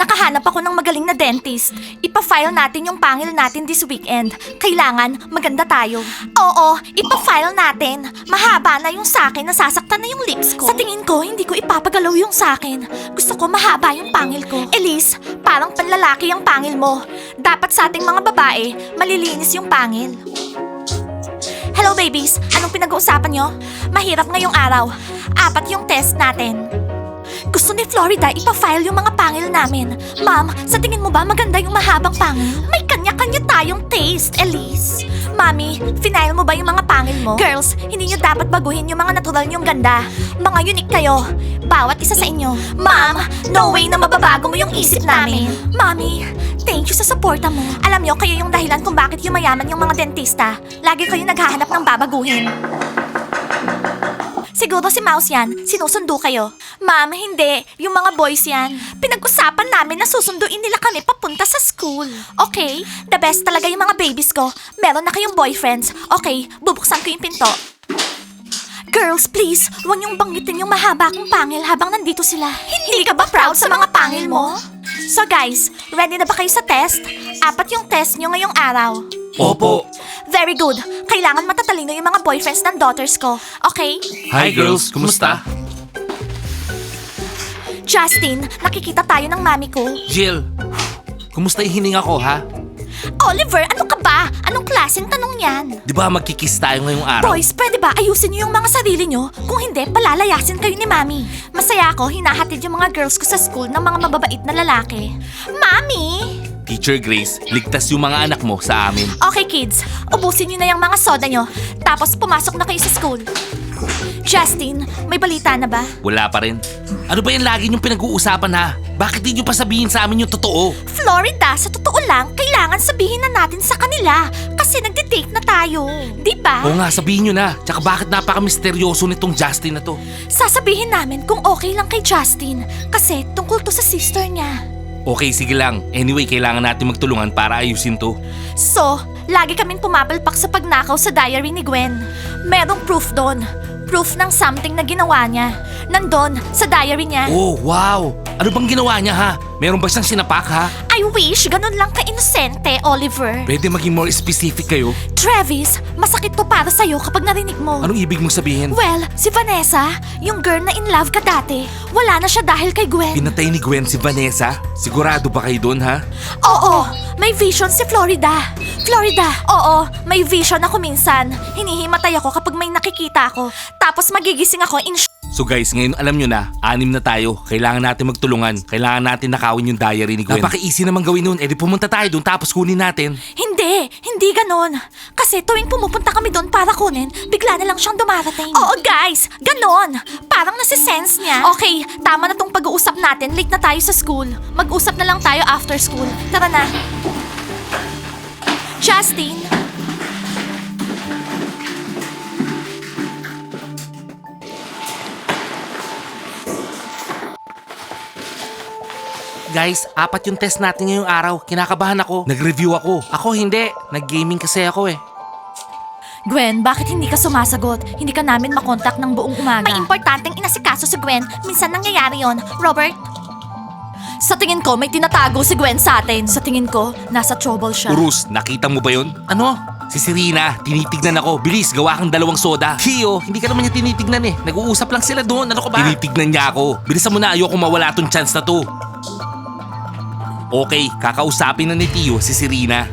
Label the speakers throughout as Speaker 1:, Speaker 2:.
Speaker 1: nakahanap ako ng magaling na dentist. Ipa-file natin yung pangil natin this weekend. Kailangan maganda tayo. Oo, ipa-file natin. Mahaba na yung sakin, nasasaktan na yung lips ko. Sa tingin ko, hindi ko ipapagalaw yung sakin. Gusto ko mahaba yung pangil ko. Elise, parang panlalaki ang pangil mo. Dapat sa ating mga babae, malilinis yung pangil. Hello babies, anong pinag-uusapan nyo? Mahirap ngayong araw. 4 yung test natin. Gusto ni Florida ipa-file yung mga pangil namin. Ma'am, sa tingin mo ba maganda yung mahabang pangil? May kanya-kanya tayong taste, Elise. Mami, final mo ba yung mga pangil mo? Girls, hindi nyo dapat baguhin yung mga natural nyong ganda. Mga unique kayo. Bawat isa sa inyo. Ma'am, no way na mababago mo yung isip namin. Mami, thank you sa suporta mo. Alam nyo, kayo yung dahilan kung bakit yumayaman yung mga dentista. Lagi kayo naghahanap ng babaguhin. Siguro si Mouse yan, sinusundo kayo. Ma'am, hindi. Yung mga boys yan. Pinag-usapan namin na susunduin nila kami papunta sa school. Okay? The best talaga yung mga babies ko. Meron na kayong boyfriends. Okay, bubuksan ko yung pinto. Girls, please, huwag niyong banggitin yung mahaba kong pangil habang nandito sila. Hindi ka ba proud sa mga pangil mo? So guys, ready na ba kayo sa test? 4 yung test niyo ngayong araw.
Speaker 2: Opo.
Speaker 1: Very good. Kailangan matatalino yung mga boyfriends ng daughters ko. Okay?
Speaker 2: Hi girls, kumusta?
Speaker 1: Justin, nakikita tayo ng mami ko.
Speaker 2: Jill, kumusta yung hininga ko ha?
Speaker 1: Oliver, ano ka ba? Anong klaseng tanong yan?
Speaker 2: Di ba magkikiss tayo ngayong araw?
Speaker 1: Boys, pwede ba ayusin niyo yung mga sarili niyo? Kung hindi, palalayasin kayo ni Mami. Masaya ako, hinahatid yung mga girls ko sa school ng mga mababait na lalaki. Mami!
Speaker 2: Teacher Grace, ligtas yung mga anak mo sa amin.
Speaker 1: Okay kids, ubusin niyo na yung mga soda niyo. Tapos pumasok na kayo sa school. Justin, may balita na ba?
Speaker 2: Wala pa rin. Ano ba yan lagi niyong pinag-uusapan ha? Bakit di niyo pa sabihin sa amin yung totoo?
Speaker 1: Florida, sa totoo lang, kailangan sabihin na natin sa kanila. Kasi nagde-date na tayo. Di ba?
Speaker 2: Oo nga, sabihin niyo na. Tsaka bakit napaka-misteryoso nitong Justin na to?
Speaker 1: Sasabihin namin kung okay lang kay Justin. Kasi tungkol to sa sister niya.
Speaker 2: Okay, sige lang. Anyway, kailangan natin magtulungan para ayusin to.
Speaker 1: So, lagi kaming pumapalpak sa pagnakaw sa diary ni Gwen. Merong proof doon. Proof ng something na ginawa niya. Nandun, sa diary niya.
Speaker 2: Oh, wow! Ano bang ginawa niya ha? Meron ba siyang sinapak ha?
Speaker 1: I wish ganun lang ka-inosente, Oliver.
Speaker 2: Pwede maging more specific kayo?
Speaker 1: Travis, masakit to para sa'yo kapag narinig mo.
Speaker 2: Anong ibig mong sabihin?
Speaker 1: Well, si Vanessa, yung girl na in love ka dati, wala na siya dahil kay Gwen.
Speaker 2: Pinatay ni Gwen si Vanessa? Sigurado ba kayo doon ha?
Speaker 1: Oo, may vision si Florida. Florida, oo, may vision ako minsan. Hinihimatay ako kapag may nakikita ako. Tapos magigising ako in
Speaker 2: So guys, ngayon alam nyo na, 6 na tayo. Kailangan natin magtulungan. Kailangan natin nakawin yung diary ni Gwen. Napaka-easy naman gawin nun. Di pumunta tayo doon tapos kunin natin.
Speaker 1: Hindi ganon. Kasi tuwing pumupunta kami doon para kunin, bigla na lang siyang dumarating. Oo guys, ganon. Parang nasisense niya. Okay, tama na tong pag-uusap natin. Late na tayo sa school. Mag-usap na lang tayo after school. Tara na. Justin.
Speaker 2: Guys, 4 yung test natin ngayong araw. Kinakabahan ako. Nag-review ako. Ako hindi. Nag-gaming kasi ako eh.
Speaker 1: Gwen, bakit hindi ka sumasagot? Hindi ka namin makontak ng buong umaga. May importanteng inasikaso si Gwen. Minsan nangyayari yon. Robert? Sa tingin ko, may tinatago si Gwen sa atin. Sa tingin ko, nasa trouble siya.
Speaker 2: Urus, nakita mo ba yun? Ano? Si Serena, tinitignan ako. Bilis, gawa kang 2 soda. Kio, hindi ka naman niya tinitignan eh. Nag-uusap lang sila doon. Ano ka ba? Tinitignan niya ako. Bilisan mo na, ayoko mawala tong chance na to. Okay, kakausapin na ni Tio si Serena.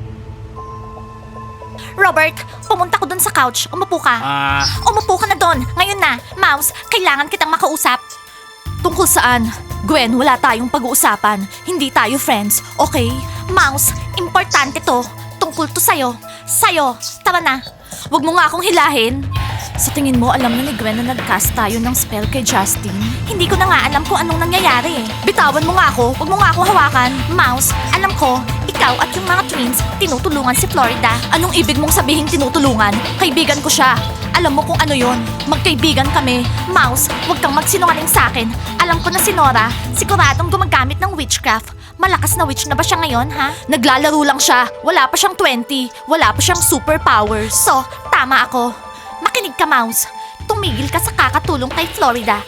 Speaker 1: Robert, pumunta ko dun sa couch. Umupo ka. Umupo ka na dun. Ngayon na. Mouse, kailangan kitang makausap. Tungkol saan? Gwen, wala tayong pag-uusapan. Hindi tayo friends, okay? Mouse, importante to. Tungkol to sa'yo. Sa'yo. Tara na. Huwag mo nga akong hilahin. Sa tingin mo, alam na ni Gwen na nag-cast tayo ng spell kay Justin? Hindi ko na nga alam kung anong nangyayari eh. Bitawan mo nga ako. Huwag mo nga ako hawakan. Mouse, alam ko, ikaw at yung mga twins, tinutulungan si Florida. Anong ibig mong sabihin tinutulungan? Kaibigan ko siya. Alam mo kung ano yon? Magkaibigan kami. Mouse, huwag kang magsinungaling sa akin. Alam ko na si Nora, siguradong gumagamit ng witchcraft. Malakas na witch na ba siya ngayon, ha? Naglalaro lang siya. Wala pa siyang 20. Wala pa siyang superpowers. So, tama ako. Makinig ka, Mouse. Tumigil ka sa kakatulong kay Florida. Kung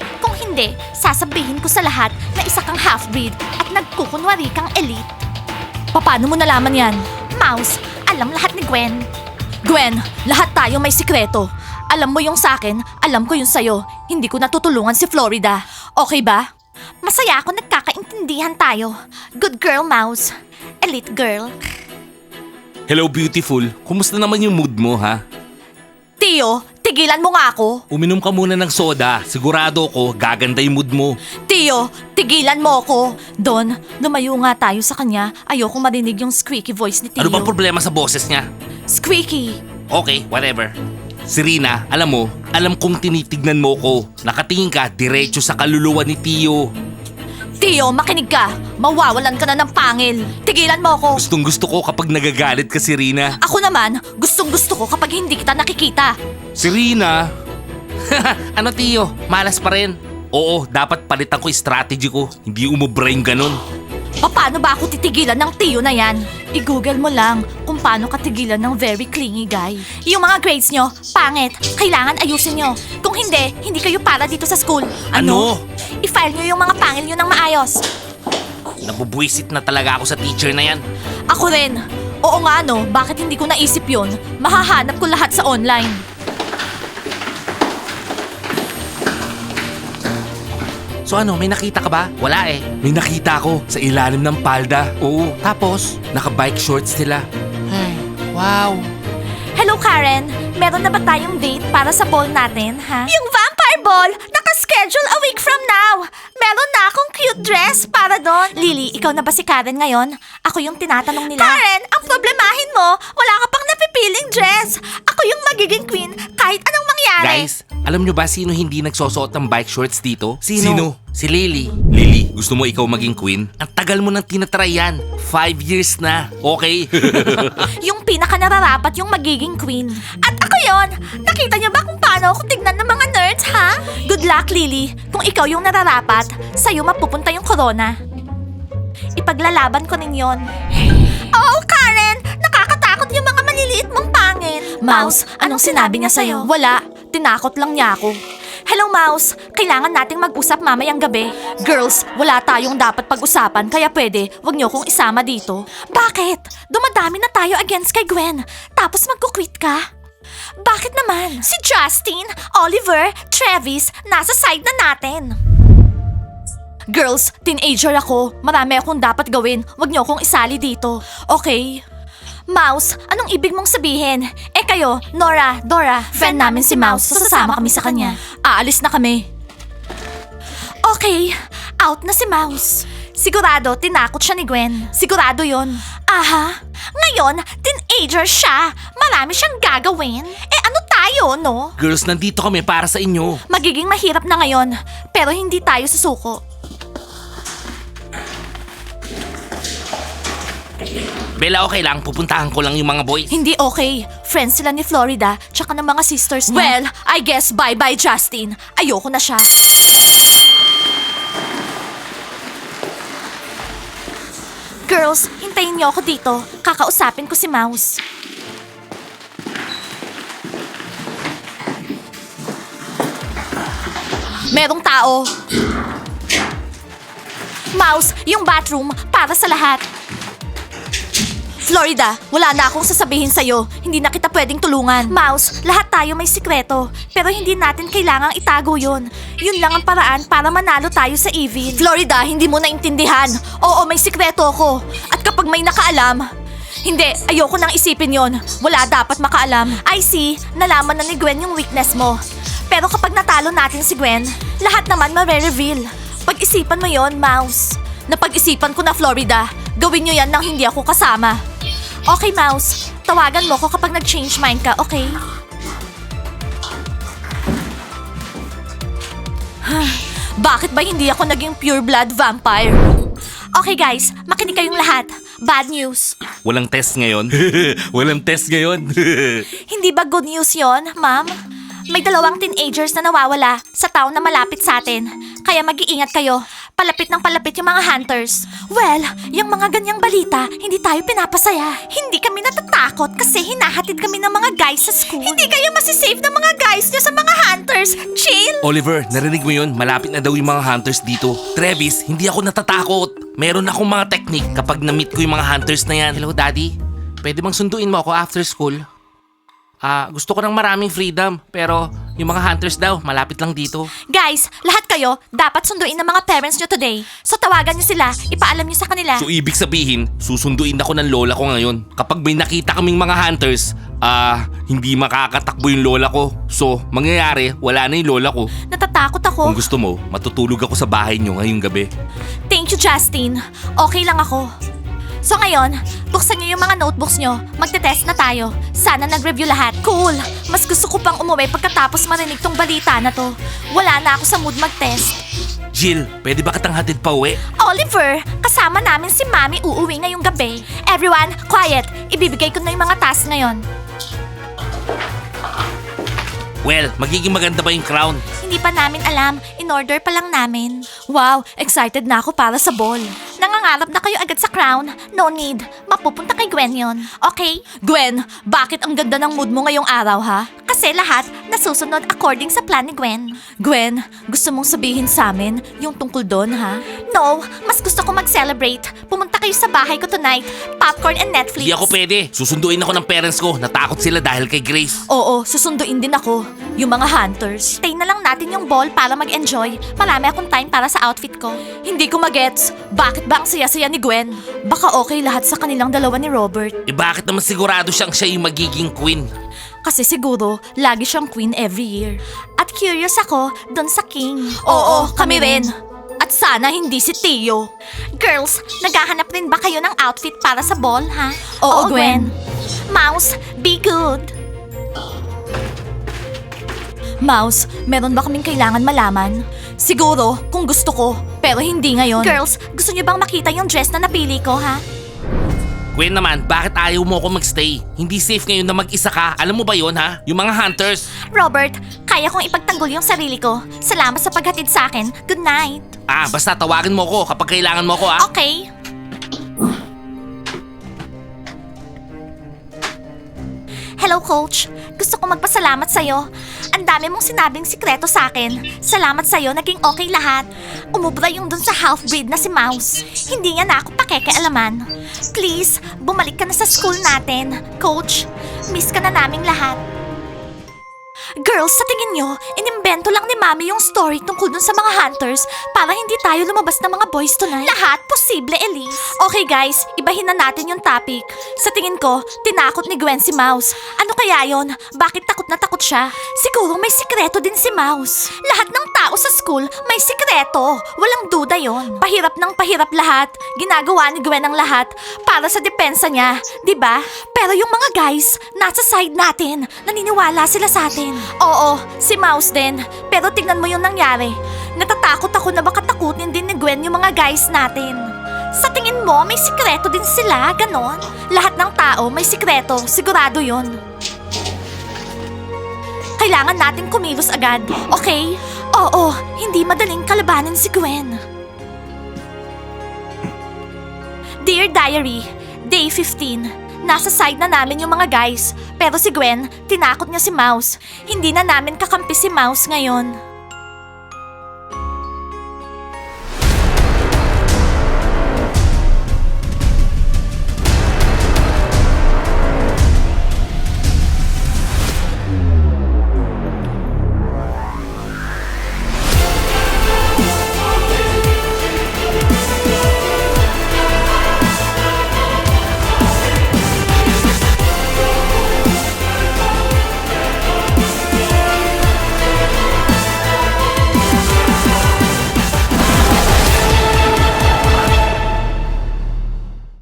Speaker 1: hindi, sasabihin ko sa lahat na isa kang half-breed at nagkukunwari kang elite. Paano mo nalaman yan? Mouse, alam lahat ni Gwen. Gwen, lahat tayo may sikreto. Alam mo yung sakin, alam ko yung sayo. Hindi ko natutulungan si Florida. Okay ba? Masaya ako nagkakaintindihan tayo. Good girl, Mouse. Elite girl.
Speaker 2: Hello, beautiful. Kumusta naman yung mood mo, ha?
Speaker 1: Tio, tigilan mo nga ako.
Speaker 2: Uminom ka muna ng soda. Sigurado ko, gaganda yung mood mo.
Speaker 1: Tio, tigilan mo ako. Don, lumayo nga tayo sa kanya. Ayoko marinig yung squeaky voice ni Tio.
Speaker 2: Ano bang problema sa boses niya?
Speaker 1: Squeaky.
Speaker 2: Okay, whatever. Serena, alam kong tinitignan mo ko. Nakatingin ka diretso sa kaluluwa ni Tio.
Speaker 1: Tio, makinig ka. Mawawalan ka na ng pangil. Tigilan mo ako.
Speaker 2: Gustong gusto ko kapag nagagalit ka, Serena.
Speaker 1: Ako naman, gustong gusto ko kapag hindi kita nakikita.
Speaker 2: Serena? Ano, Tio? Malas pa rin. Oo, dapat palitan ko yung strategy ko. Hindi umubra yung ganun.
Speaker 1: Paano ba ako titigilan ng Tio na yan? I-google mo lang kung paano katigilan ng very clingy guy. Yung mga grades nyo, pangit. Kailangan ayusin nyo. Kung hindi, hindi kayo para dito sa school.
Speaker 2: Ano?
Speaker 1: I-file nyo yung mga pangil nyo ng maayos.
Speaker 2: Nabubwisit na talaga ako sa teacher na yan.
Speaker 1: Ako rin. Oo nga no, bakit hindi ko naisip yun? Mahahanap ko lahat sa online.
Speaker 2: So ano, may nakita ka ba? Wala eh. May nakita ko sa ilalim ng palda. Oo. Tapos, naka-bike shorts sila. Ay, wow.
Speaker 1: Hello Karen, meron na ba tayong date para sa ball natin, ha? Yung vampire ball, naka-schedule a week from now. Meron na akong cute dress para doon. Lily, ikaw na ba si Karen ngayon? Ako yung tinatanong nila. Karen, ang problemahin mo, wala ka pang napipiling dress. Ako yung magiging queen kahit anong mangyari.
Speaker 2: Guys, alam nyo ba sino hindi nagsusuot ng bike shorts dito? Sino? Si Lily. Lily, gusto mo ikaw maging queen? Ang tagal mo nang tinatry yan. 5 years na. Okay?
Speaker 1: Yung pinaka nararapat yung magiging queen. At ako yon. Nakita niyo ba kung paano ako tignan ng mga nerds, ha? Good luck, Lily. Kung ikaw yung nararapat, sa'yo mapupunta yung corona. Ipaglalaban ko rin yon. Oh, Karen! Nakakatakot yung mga maliliit mong pangil. Mouse, anong sinabi niya sa'yo? Wala. Tinakot lang niya ako. Hello, Mouse. Kailangan nating mag-usap mamayang gabi. Girls, wala tayong dapat pag-usapan kaya pwede, wag niyo kong isama dito. Bakit? Dumadami na tayo against kay Gwen. Tapos magkukwit ka? Bakit naman? Si Justin, Oliver, Travis, nasa side na natin. Girls, teenager ako. Marami akong dapat gawin. Wag niyo akong isali dito. Okay? Mouse, anong ibig mong sabihin? Eh kayo, Nora, Dora, friend namin si Mouse, so sasama kami sa kanya. Aalis na kami. Okay, out na si Mouse. Sigurado, tinakot siya ni Gwen. Sigurado yon. Aha, ngayon, teenager siya. Marami siyang gagawin. Eh ano tayo, no?
Speaker 2: Girls, nandito kami para sa inyo.
Speaker 1: Magiging mahirap na ngayon, pero hindi tayo susuko.
Speaker 2: Bella, okay lang. Pupuntahan ko lang yung mga boys.
Speaker 1: Hindi okay. Friends sila ni Florida, tsaka ng mga sisters niya. Well, I guess bye-bye, Justin. Ayoko na siya. Girls, hintayin niyo ako dito. Kakausapin ko si Mouse. Merong tao. Mouse, yung bathroom para sa lahat. Florida, wala na akong sasabihin sa'yo. Hindi na kita pwedeng tulungan. Mouse, lahat tayo may sikreto. Pero hindi natin kailangang itago yun. Yun lang ang paraan para manalo tayo sa evil. Florida, hindi mo naintindihan. Oo, may sikreto ako. At kapag may nakaalam, hindi, ayoko nang isipin yon. Wala dapat makaalam. I see, nalaman na ni Gwen yung weakness mo. Pero kapag natalo natin si Gwen, lahat naman mare-reveal. Pag-isipan mo yon, Mouse. Napag-isipan ko na, Florida. Gawin nyo yan nang hindi ako kasama. Okay, Mouse. Tawagan mo ko kapag nag-change mind ka, okay? Bakit ba hindi ako naging pure blood vampire? Okay guys, makinig kayong lahat. Bad news.
Speaker 2: Walang test ngayon. Walang test ngayon.
Speaker 1: Hindi ba good news yon, ma'am? May 2 teenagers na nawawala sa town na malapit sa atin. Kaya mag-iingat kayo. Palapit ng palapit yung mga hunters. Well, yung mga ganyang balita, hindi tayo pinapasaya. Hindi kami natatakot kasi hinahatid kami ng mga guys sa school. Hindi kayo masisave ng mga guys nyo sa mga hunters. Chill!
Speaker 2: Oliver, narinig mo yun? Malapit na daw yung mga hunters dito. Travis, hindi ako natatakot. Meron akong mga technique kapag na-meet ko yung mga hunters na yan. Hello, Daddy. Pwede bang sunduin mo ako after school? Gusto ko ng maraming freedom, pero yung mga hunters daw, malapit lang dito.
Speaker 1: Guys, lahat kayo dapat sunduin ng mga parents nyo today. So tawagan nyo sila, ipaalam nyo sa kanila.
Speaker 2: So ibig sabihin, susunduin ako ng lola ko ngayon. Kapag may nakita kaming mga hunters, hindi makakatakbo yung lola ko. So, mangyayari, wala na yung lola ko.
Speaker 1: Natatakot ako.
Speaker 2: Kung gusto mo, matutulog ako sa bahay nyo ngayong gabi.
Speaker 1: Thank you, Justin. Okay lang ako. So ngayon, buksan niyo yung mga notebooks nyo. Magte-test na tayo. Sana nag-review lahat. Cool! Mas gusto ko pang umuwi pagkatapos marinig tong balita na to. Wala na ako sa mood mag-test.
Speaker 2: Jill, pwede ba kitang hatid pa uwi?
Speaker 1: Oliver, kasama namin si Mami uuwi ngayong gabi. Everyone, quiet! Ibibigay ko na yung mga task ngayon.
Speaker 2: Well, magiging maganda ba yung crown?
Speaker 1: Hindi pa namin alam. In-order pa lang namin. Wow, excited na ako para sa ball. Nangangarap na kayo agad sa crown? No need. Mapupunta kay Gwen yon. Okay? Gwen, bakit ang ganda ng mood mo ngayong araw, ha? Kasi lahat nasusunod according sa plan ni Gwen. Gwen, gusto mong sabihin sa amin yung tungkol doon, ha? No, mas gusto ko mag-celebrate. Pumunta kayo sa bahay ko tonight. Popcorn and Netflix.
Speaker 2: Hindi ako pwede. Susunduin ako ng parents ko. Natakot sila dahil kay Grace.
Speaker 1: Oo, susunduin din ako. Yung mga hunters. Stay na lang natin yung ball para mag-enjoy. Marami akong time para sa outfit ko. Hindi ko magets. Bakit ba ang saya-saya ni Gwen? Baka okay lahat sa kanilang dalawa ni Robert.
Speaker 2: Bakit naman sigurado siyang siya yung magiging queen?
Speaker 1: Kasi siguro, lagi siyang queen every year. At curious ako dun sa king. Oo, kami rin. At sana hindi si Tio. Girls, naghahanap rin ba kayo ng outfit para sa ball, ha? Oo, Gwen. Mouse, be good. Mouse, meron ba kaming kailangan malaman? Siguro, kung gusto ko, pero hindi ngayon. Girls, gusto niyo bang makita yung dress na napili ko, ha?
Speaker 2: Gwen naman, bakit ayaw mo ako magstay? Hindi safe ngayon na mag-isa ka. Alam mo ba yon ha? Yung mga hunters.
Speaker 1: Robert, kaya kong ipagtanggol yung sarili ko. Salamat sa paghatid sa akin. Good night.
Speaker 2: Basta tawagin mo ko kapag kailangan mo ko ha.
Speaker 1: Okay. Hello, Coach. Gusto ko magpasalamat sa'yo. Ang dami mong sinabing sikreto sa akin. Salamat sa'yo, naging okay lahat. Umubra yung dun sa half-breed na si Mouse. Hindi niya na ako pakekealaman. Please, bumalik ka na sa school natin. Coach, miss ka na naming lahat. Girls, sa tingin nyo, inimbento lang ni Mami yung story tungkol dun sa mga hunters para hindi tayo lumabas ng mga boys tonight? Lahat posible, Elise. Okay guys, ibahin na natin yung topic. Sa tingin ko, tinakot ni Gwen si Mouse. Ano kaya yon? Bakit takot na takot siya? Siguro may sikreto din si Mouse. Lahat ng tao sa school may sikreto. Walang duda yon. Pahirap ng pahirap lahat. Ginagawa ni Gwen ang lahat para sa depensa niya, 'di ba? Pero yung mga guys, nasa side natin. Naniniwala sila sa atin. Oo, si Mouse din. Pero tingnan mo yung nangyari. Natatakot ako na baka takutin din ni Gwen yung mga guys natin. Sa tingin mo, may sikreto din sila, ganon? Lahat ng tao may sikreto, sigurado yun. Kailangan natin kumilos agad, okay? Oo, hindi madaling kalabanin si Gwen. Dear Diary, Day 15. Nasa side na namin yung mga guys. Pero si Gwen, tinakot niya si Mouse. Hindi na namin kakampi si Mouse ngayon.